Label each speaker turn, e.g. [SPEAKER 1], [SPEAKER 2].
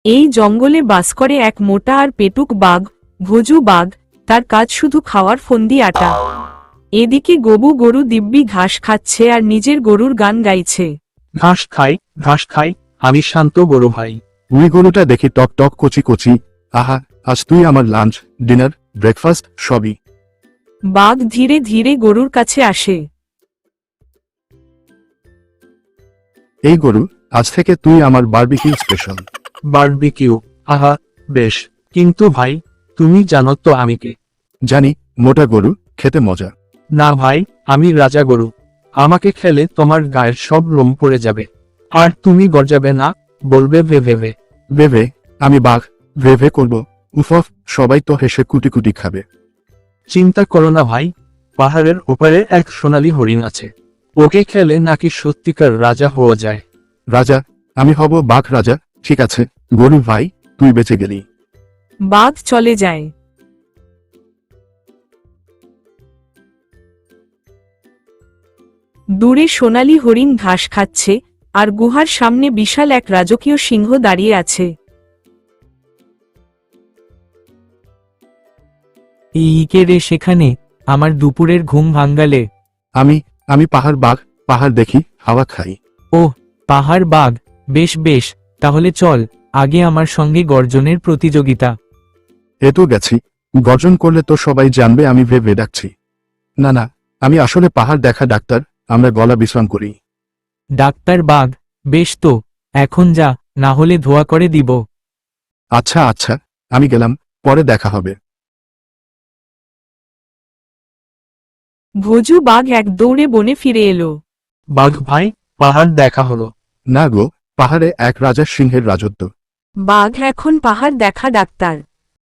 [SPEAKER 1] এই জঙ্গলে বাস করে এক মোটা আর পেটুক বাঘ, ভোজু বাঘ। তার কাজ শুধু খাওয়ার ফন্দি আটা। এদিকে গবু গরু দিব্যি ঘাস খাচ্ছে আর নিজের গরুর গান গাইছে।
[SPEAKER 2] ঘাস খাই, ঘাস খাই, আমি শান্ত বড় ভাই।
[SPEAKER 3] ওই গরুটা দেখি টক টক কচি কচি। আহা, আজ তুই আমার লাঞ্চ, ডিনার, ব্রেকফাস্ট সবই।
[SPEAKER 1] বাঘ ধীরে ধীরে গরুর কাছে আসে।
[SPEAKER 3] এই গরু, আজ থেকে তুই আমার বারবিকিউ স্পেশাল।
[SPEAKER 2] বারবিকিউ, আহা, বেশ। কিন্তু ভাই, তুমি জানো তো আমি কে?
[SPEAKER 3] জানি, মোটা গরু, খেতে মজা।
[SPEAKER 2] না ভাই, আমি রাজা গরু। আমাকে খেলে তোমার গায়ের সব লোম পড়ে যাবে। আর তুমি গর্জাবে না, বলবে ভে ভে ভে।
[SPEAKER 3] ভেভে, আমি বাঘ, ভেভে করব। উফফ, সবাই তো হেসে কুটি কুটি খাবে।
[SPEAKER 2] চিন্তা করো না ভাই, পাহাড়ের ওপারে এক সোনালী হরিণ আছে। ওকে খেলে নাকি সত্যিকার রাজা হওয়া যায়।
[SPEAKER 3] রাজা? আমি হব বাঘ রাজা। ঠিক আছে গরু ভাই, তুই বেঁচে গেলি।
[SPEAKER 1] বাঘ চলে যায়। দূরে সোনালী হরিণ ঘাস খাচ্ছে, আর গুহার সামনে বিশাল এক রাজকীয় সিংহ দাঁড়িয়ে আছে।
[SPEAKER 4] এই কে রে সেখানে? আমার দুপুরের ঘুম ভাঙ্গালে।
[SPEAKER 3] আমি আমি পাহাড় বাঘ, পাহাড় দেখি, হাওয়া খাই।
[SPEAKER 4] ওহ, পাহাড় বাঘ, বেশ বেশ, তাহলে চল, আগে আমার সঙ্গে গর্জনের প্রতিযোগিতা।
[SPEAKER 3] এ তো গেছি, গর্জন করলে তো সবাই জানবে আমি ভেবে ডাকছি। না না, আমি আসলে পাহাড় দেখা ডাক্তার, আমরা গলা বিশ্রাম করি।
[SPEAKER 4] ডাক্তার বাঘ, বেশ তো, এখন যা, না হলে ধোয়া করে দিব।
[SPEAKER 3] আচ্ছা আচ্ছা, আমি গেলাম, পরে দেখা হবে।
[SPEAKER 1] ভোজু বাঘ এক দৌড়ে বনে ফিরে এলো।
[SPEAKER 2] বাঘ ভাই, পাহাড় দেখা হলো।
[SPEAKER 3] না গো, পাহাড়ে এক রাজার সিংহের রাজত্ব।
[SPEAKER 1] বাঘ এখন পাহাড় দেখা ডাক্তার।